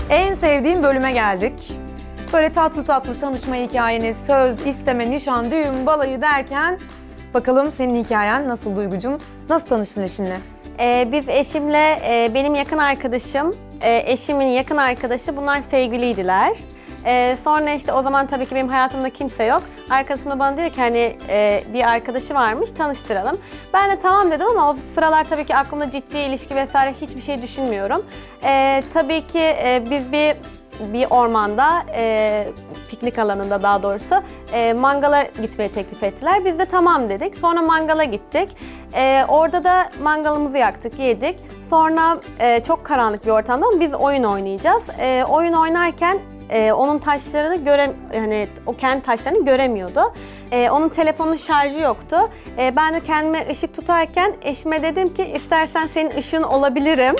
En sevdiğim bölüme geldik. Böyle tatlı tatlı tanışma hikayeniz, söz, isteme, nişan, düğün, balayı derken bakalım senin hikayen nasıl Duygucum? Nasıl tanıştın eşinle? Biz eşimle, benim yakın arkadaşım, eşimin yakın arkadaşı bunlar sevgiliydiler. Sonra işte o zaman tabii ki benim hayatımda kimse yok. Arkadaşım da bana diyor ki hani bir arkadaşı varmış tanıştıralım. Ben de tamam dedim ama o sıralar tabii ki aklımda ciddi ilişki vesaire hiçbir şey düşünmüyorum. Tabii ki biz bir ormanda, piknik alanında daha doğrusu mangala gitmeye teklif ettiler. Biz de tamam dedik. Sonra mangala gittik. Orada da mangalımızı yaktık, yedik. Sonra çok karanlık bir ortamda ama biz oyun oynayacağız. Oyun oynarken onun taşlarını yani o kendi taşlarını göremiyordu. Onun telefonun şarjı yoktu. Ben de kendime ışık tutarken eşime dedim ki istersen senin ışığın olabilirim.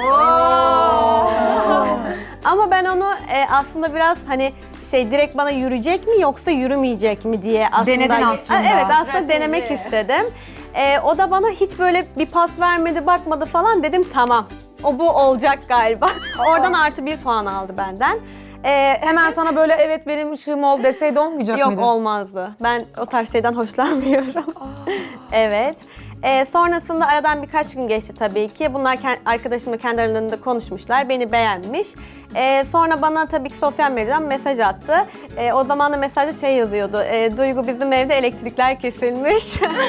Ama ben onu aslında biraz hani direkt bana yürüyecek mi yoksa yürümeyecek mi diye aslında. Denedin aslında. Evet aslında denemek istedim. O da bana hiç böyle bir pas vermedi, bakmadı falan, dedim tamam. Bu olacak galiba. Oradan +1 puan aldı benden. Hemen sana böyle evet benim ışığım ol deseydi olmayacak mıydı? Yok, olmazdı. Ben o tarz şeyden hoşlanmıyorum. Evet. Sonrasında aradan birkaç gün geçti tabii ki. Bunlar arkadaşımla kendi aralarında konuşmuşlar. Beni beğenmiş. Sonra bana tabii ki sosyal medyadan mesaj attı. O zaman da mesajda yazıyordu. Duygu, bizim evde elektrikler kesilmiş.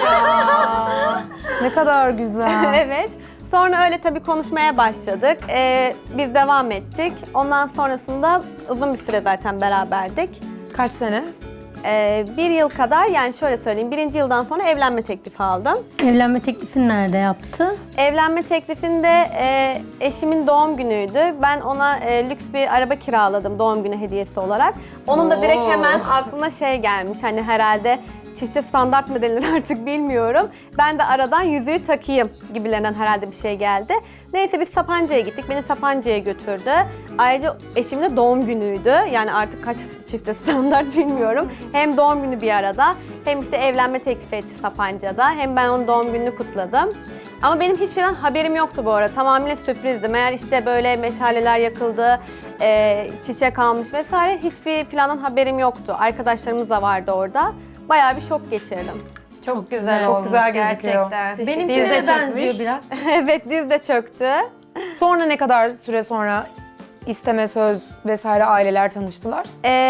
Ne kadar güzel. Evet. Sonra öyle tabii konuşmaya başladık. Biz devam ettik. Ondan sonrasında uzun bir süre zaten beraberdik. Kaç sene? 1 yıl kadar, yani şöyle söyleyeyim, 1. yıldan sonra evlenme teklifi aldım. Evlenme teklifini nerede yaptı? Evlenme teklifinde eşimin doğum günüydü. Ben ona lüks bir araba kiraladım doğum günü hediyesi olarak. Onun da direkt hemen aklına gelmiş, hani herhalde çifte standart mı denilir artık bilmiyorum. Ben de aradan yüzüğü takayım gibilerinden herhalde bir şey geldi. Neyse biz Sapanca'ya gittik. Beni Sapanca'ya götürdü. Ayrıca eşimin de doğum günüydü. Yani artık kaç çifte standart bilmiyorum. Hem doğum günü bir arada hem işte evlenme teklif etti Sapanca'da. Hem ben onun doğum gününü kutladım. Ama benim hiçbir şeyden haberim yoktu bu arada. Tamamıyla sürprizdi. Meğer işte böyle meşaleler yakıldı, çiçek almış vesaire. Hiçbir plandan haberim yoktu. Arkadaşlarımız da vardı orada. Bayağı bir şok geçirdim. Çok güzel Çok olmuş güzel gözüküyor. gerçekten. Benimkine Diz de benziyor çökmüş. biraz. Evet, diz de çöktü. Sonra ne kadar süre sonra isteme, söz vesaire aileler tanıştılar?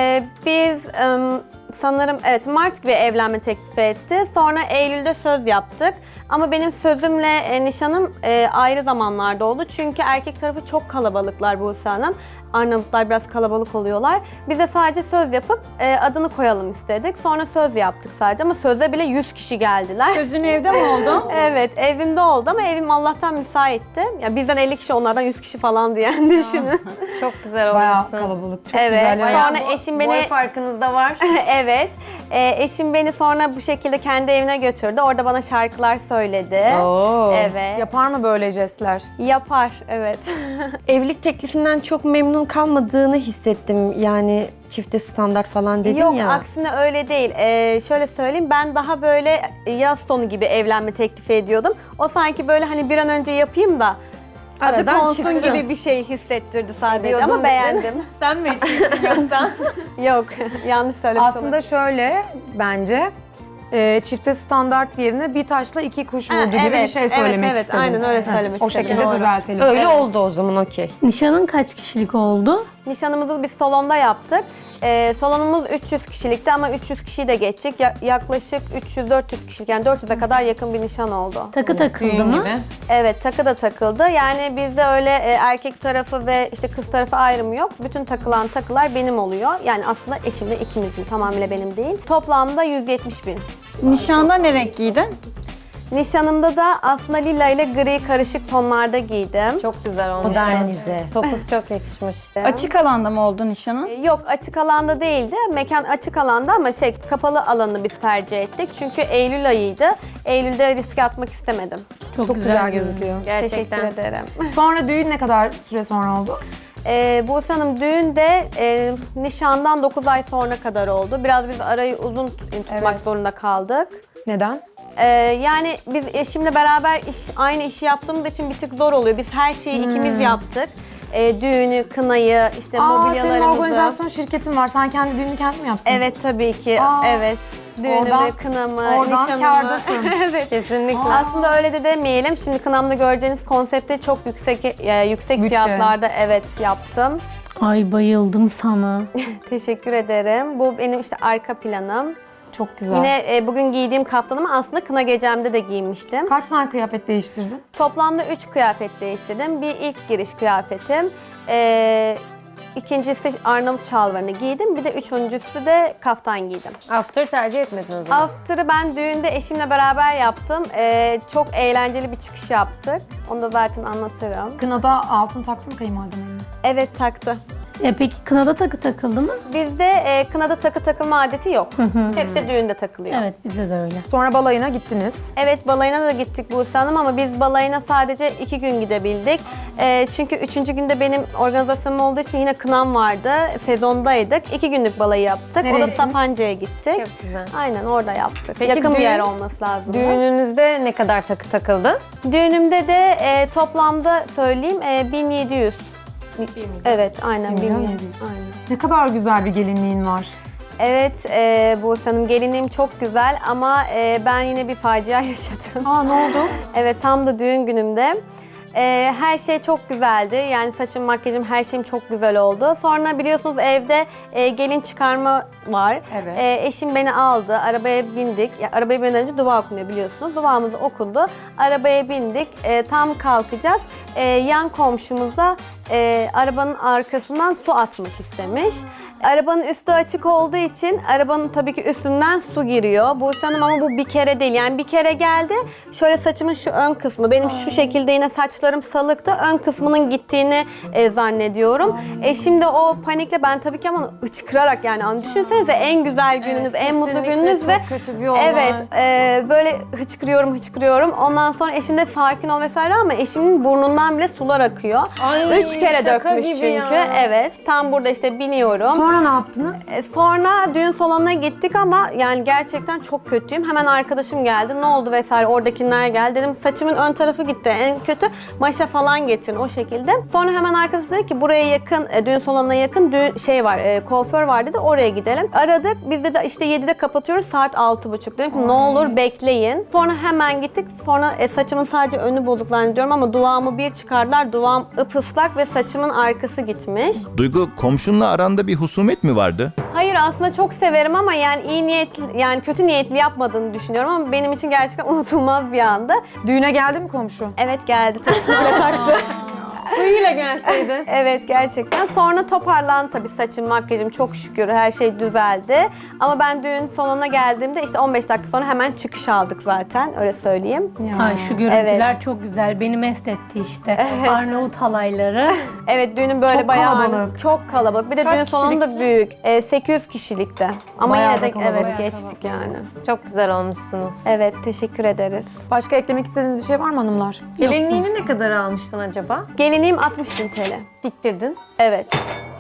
Biz sanırım Mart gibi evlenme teklifi etti. Sonra Eylül'de söz yaptık. Ama benim sözümle nişanım ayrı zamanlarda oldu. Çünkü erkek tarafı çok kalabalıklar Buse Hanım. Arnavutlar biraz kalabalık oluyorlar. Biz de sadece söz yapıp adını koyalım istedik. Sonra söz yaptık sadece ama sözde bile 100 kişi geldiler. Sözün evde mi oldu? Evet, evimde oldu ama evim Allah'tan müsaitti. Ya bizden 50 kişi, onlardan 100 kişi falan diyen düşünün. Çok güzel Bayağı olmuşsun. kalabalık, çok Evet, güzel. bayağı- Ya. Sonra eşim beni- Boy farkınız da var. Evet. Eşim beni sonra bu şekilde kendi evine götürdü. Orada bana şarkılar söyledi. Oo. Evet. Yapar mı böyle jestler? Yapar, evet. Evlilik teklifinden çok memnun kalmadığını hissettim. Yani çifte standart falan dedin Yok, ya. aksine öyle değil. Şöyle söyleyeyim, ben daha böyle yaz sonu gibi evlenme teklifi ediyordum. O sanki böyle hani bir an önce yapayım da adı Aradan konsun çıksın. gibi bir şey hissettirdi sadece Diyordum ama beğendim. Sen mi ettin yoksa? Yok, yanlış söylemiş Aslında şöyle bence çifte standart yerine bir taşla iki kuş vurdu gibi bir şey söylemek evet, istedim. aynen öyle söylemek O istedim. şekilde Doğru. düzeltelim. Öyle oldu o zaman, okey. Nişanın kaç kişilik oldu? Nişanımızı biz salonda yaptık. Salonumuz 300 kişilikti ama 300 kişiyi de geçtik. Yaklaşık 300-400 kişilik, yani 400'e kadar yakın bir nişan oldu. Takı takıldı mı? Evet, takı da takıldı. Yani bizde öyle erkek tarafı ve işte kız tarafı ayrımı yok. Bütün takılan takılar benim oluyor. Yani aslında eşimle ikimizin, tamamıyla benim değil. Toplamda 170.000. Nişanda ne renk giydin? Nişanımda da aslında lila ile gri karışık tonlarda giydim. Çok güzel olmuş. Modernize. Topuz çok yakışmış. Açık alanda mı oldu nişanın? Yok, açık alanda değildi. Mekan açık alanda ama kapalı alanı biz tercih ettik. Çünkü Eylül ayıydı. Eylül'de riske atmak istemedim. Çok güzel gözüküyor. Gerçekten. Teşekkür ederim. Sonra düğün ne kadar süre sonra oldu? Buse Hanım, düğün de nişandan 9 ay sonra kadar oldu. Biraz biz arayı uzun tutmak zorunda kaldık. Neden? Yani biz eşimle beraber aynı işi yaptığımız için bir tık zor oluyor. Biz her şeyi ikimiz yaptık. Düğünü, kınayı, işte Senin mobilyalarımızı. organizasyon şirketin var. Sen kendi düğünü kendin mi yaptın? Evet tabii ki. Evet. Düğünümü, Oradan- kınamı, oradan nişanımı. kârdasın. Evet. Kesinlikle. Aslında öyle de demeyelim. Şimdi kınamda göreceğiniz konsepte çok yüksek Bütçe. fiyatlarda evet yaptım. Ay bayıldım sana. Teşekkür ederim. Bu benim işte arka planım. Çok güzel. Yine bugün giydiğim kaftanımı aslında kına gecemde de giymiştim. Kaç tane kıyafet değiştirdin? Toplamda 3 kıyafet değiştirdim. Bir ilk giriş kıyafetim. İkincisi Arnavut şalvarını giydim. Bir de üçüncüsü de kaftan giydim. After tercih etmedin o zaman. After'ı ben düğünde eşimle beraber yaptım. Çok eğlenceli bir çıkış yaptık. Onu da zaten anlatırım. Kınada altın taktı mı kayınvaliden eline? Evet taktı. Peki kınada takı takıldı mı? Bizde kınada takı takılma adeti yok. Hepsi düğünde takılıyor. Evet bizde de öyle. Sonra balayına gittiniz. Evet balayına da gittik Buse Hanım ama biz balayına sadece 2 gün gidebildik. Çünkü 3. günde benim organizasyonum olduğu için yine kınam vardı. Sezondaydık. 2 günlük balayı yaptık. Nereye O da gittiniz? Sapanca'ya gittik. Çok güzel. Aynen orada yaptık. Peki Yakın bir düğün- yer olması lazım. Düğününüzde ne kadar takı takıldı? Düğünümde de toplamda söyleyeyim 1700. Evet aynen 1 milyon 1700. 700. Aynen. Ne kadar güzel bir gelinliğin var. Evet Buse Hanım gelinliğim çok güzel ama ben yine bir facia yaşadım. Aa ne oldu? Evet tam da düğün günümde. Her şey çok güzeldi. Yani saçım, makyajım, her şeyim çok güzel oldu. Sonra biliyorsunuz evde gelin çıkarma var. Evet. Eşim beni aldı, arabaya bindik. Ya, arabaya binmeden önce dua okunuyor biliyorsunuz. Duamızı okundu. Arabaya bindik. Tam kalkacağız. Yan komşumuz da arabanın arkasından su atmak istemiş. Arabanın üstü açık olduğu için arabanın tabii ki üstünden su giriyor. Buse Hanım ama bu bir kere değil. Yani bir kere geldi. Şöyle saçımın şu ön kısmı. Benim şu şekilde yine saçlarım salıktı. Ön kısmının gittiğini zannediyorum. Eşim de o panikle ben tabii ki ama hıçkırarak yani hani düşünsenize en güzel gününüz, en mutlu kesinlikle gününüz çok ve kötü bir olay. evet böyle hıçkırıyorum. Ondan sonra eşim de sakin ol vesaire ama eşimin burnundan bile sular akıyor. Ay, 3 kere şaka dökmüş gibi çünkü. ya. Evet. Tam burada işte biniyorum. Sonra ne yaptınız? Sonra düğün salonuna gittik ama yani gerçekten çok kötüyüm. Hemen arkadaşım geldi. Ne oldu vesaire oradakiler geldi. Dedim saçımın ön tarafı gitti. En kötü maşa falan getirin o şekilde. Sonra hemen arkadaşım dedi ki buraya yakın, düğün salonuna yakın kuaför var dedi. Oraya gidelim. Aradık. Biz de işte 7'de kapatıyoruz. Saat 6.30. Dedim ki ne olur bekleyin. Sonra hemen gittik. Sonra saçımın sadece önü bozuk zannediyorum ama duvağımı bir çıkardılar. Duvağım ıpıslak ve saçımın arkası gitmiş. Duygu, komşunla aranda bir husumet mi vardı? Hayır aslında çok severim ama yani iyi niyetli yani kötü niyetli yapmadığını düşünüyorum ama benim için gerçekten unutulmaz bir andı. Düğüne geldi mi komşu? Evet geldi taksiyle taktı. Suyuyla gelseydi. Evet gerçekten. Sonra toparlandı tabii saçım, makyajım çok şükür her şey düzeldi. Ama ben düğün salonuna geldiğimde işte 15 dakika sonra hemen çıkış aldık zaten öyle söyleyeyim. Ay şu görüntüler çok güzel. Beni mest etti işte. Arnavut halayları. Evet düğünün böyle Çok bayağı kalabalık. çok kalabalık. Bir de Kaç düğün salonu da büyük. 800 kişilikte. Ama Bayağı yine da de kalabalık. evet geçtik yani. Çok güzel olmuşsunuz. Evet teşekkür ederiz. Başka eklemek istediğiniz bir şey var mı hanımlar? Gelinliğini ne kadar almıştın acaba? Gelinliğim 60.000 TL. Diktirdin. Evet.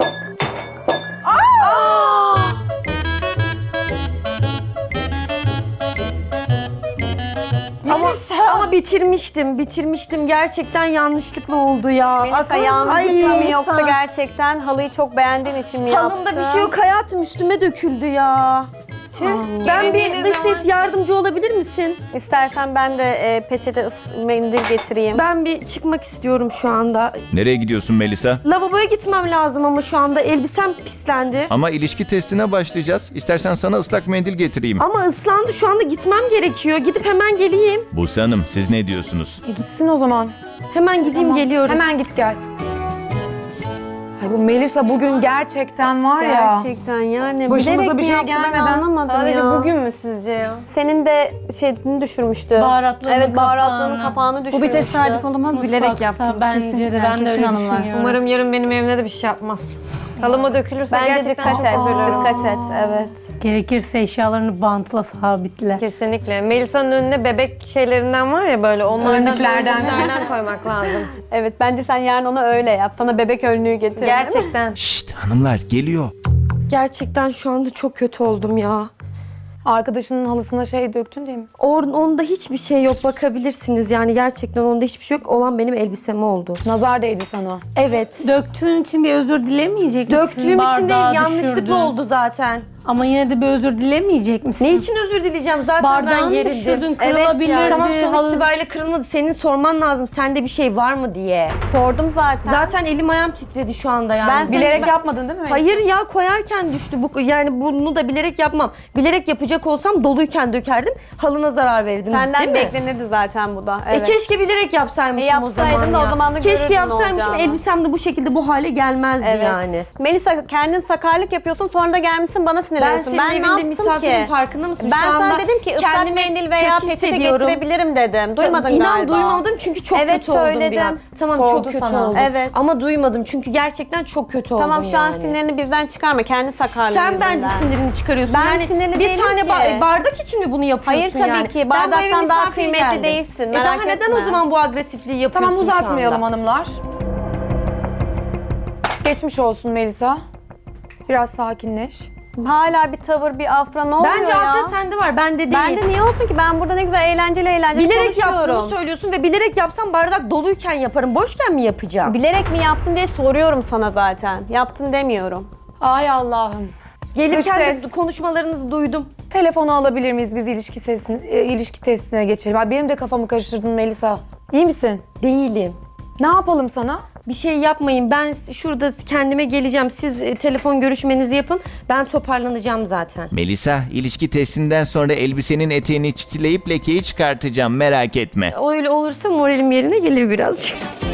Ama bitirmiştim. Gerçekten yanlışlıkla oldu ya. Melisa yanlışlıkla mı yoksa gerçekten halıyı çok beğendiğin için mi yaptın? Halımda bir şey yok hayatım üstüme döküldü ya. Ben bir dış ses yardımcı olabilir misin? İstersen ben de peçete mendil getireyim. Ben bir çıkmak istiyorum şu anda. Nereye gidiyorsun Melisa? Lavaboya gitmem lazım ama şu anda elbisem pislendi. Ama ilişki testine başlayacağız. İstersen sana ıslak mendil getireyim. Ama ıslandı şu anda gitmem gerekiyor. Gidip hemen geleyim. Buse Hanım, siz ne diyorsunuz? Gitsin o zaman. Hemen gideyim geliyorum. Hemen git gel. Ay bu Melisa bugün gerçekten var ya. Gerçekten yani Başımıza bilerek bir mi şey yaptı ben gelmeden anlamadım Sadece ya. bugün mü sizce ya? Senin de şeyini düşürmüştü. Baharatlığının Evet baharatlığının kapağını. kapağını Bu düşürmüştü. bir tesadüf olamaz, bilerek Mutfakta yaptım. bence Kesin, de ben de kesin öyle hanımlar. düşünüyorum. Umarım yarın benim evimde de bir şey yapmaz. Halıma dökülürse Bence gerçekten dikkat et, çok üzülürüm. dikkat et. Evet. Gerekirse eşyalarını bantla sabitle. Kesinlikle. Melisa'nın önüne bebek şeylerinden var ya böyle onlardan önlüklerden koymak lazım. Evet bence sen yarın ona öyle yap. Sana bebek önlüğü getir. Gerçekten. Şşt hanımlar, geliyor. Gerçekten şu anda çok kötü oldum ya. Arkadaşının halısına şey döktün diye mi? Onda hiçbir şey yok, bakabilirsiniz. Yani gerçekten onda hiçbir şey yok. Olan benim elbisem oldu. Nazar değdi sana. Evet. Döktüğün için bir özür dilemeyecek misin? Döktüğüm için Bardağı değil, yanlışlıkla düşürdün. oldu zaten. Ama yine de bir özür dilemeyecek misin? Ne için özür dileyeceğim? Zaten ben Bardağını gerildim. düşürdün, Evet kırılabilirdi. ya. Tamam, sonuç halı- itibariyle kırılmadı. Senin sorman lazım. Sende bir şey var mı diye. Sordum zaten. Zaten elim ayağım titredi şu anda yani. Ben Bilerek yapmadın değil mi? Hayır ya, koyarken düştü bu. Yani bunu da bilerek yapmam. Bilerek yapacak olsam doluyken dökerdim. Halına zarar verirdim. Senden değil mi? beklenirdi zaten bu da. Evet. Keşke bilerek yapsaymışım o zaman yapsaydın da ya. o zaman da Keşke görürdün ne yapsaymışım, olacağını. elbisem de bu şekilde bu hale gelmezdi Evet. yani. Melisa, kendin sakarlık yapıyorsun, sonra da gelmişsin bana Ben sinirleniyorsun. senin ne evinde yaptım misafirin ki? farkında mısın? Ben Şu anda sana dedim ki ıslak kendimi mendil veya kötü peçete hissediyorum. getirebilirim dedim. Duymadın İnan galiba. duymadım çünkü çok Evet, kötü oldum bir söyledim. an. Tamam, Sordu çok kötü sana. oldum. Evet. Ama duymadım çünkü gerçekten çok kötü oldum Tamam, şu an yani. sinirini bizden çıkarma. Kendi sakarlığın Sen bence yüzünden. sinirini çıkarıyorsun. Ben yani sinirli bir değilim tane ki. bardak için mi bunu yapıyorsun Hayır, tabii yani? ki. Ben bu eve Bardaktan daha misafir kıymetli geldim. değilsin, Daha merak neden etme. o zaman bu agresifliği yapıyorsun Tamam, şu anda? uzatmayalım hanımlar. Geçmiş olsun Melisa. Biraz sakinleş. Hala bir tavır, bir afra, ne oluyor Bence ya? afra sende var, bende değil. Bende niye olsun ki? Ben burada ne güzel eğlenceli Bilerek yaptığını konuşuyorum. söylüyorsun ve bilerek yapsam bardak doluyken yaparım. Boşken mi yapacağım? Bilerek mi yaptın diye soruyorum sana zaten. Yaptın demiyorum. Ay Allah'ım. Gelirken Dış de ses. konuşmalarınızı duydum. Telefonu alabilir miyiz? Biz ilişki testine geçelim. Ay, benim de kafamı karıştırdın Melisa. İyi misin? Değilim. Ne yapalım sana? Bir şey yapmayın. Ben şurada kendime geleceğim. Siz telefon görüşmenizi yapın. Ben toparlanacağım zaten. Melisa, ilişki testinden sonra elbisenin eteğini çitileyip lekeyi çıkartacağım, merak etme. Öyle olursa moralim yerine gelir birazcık.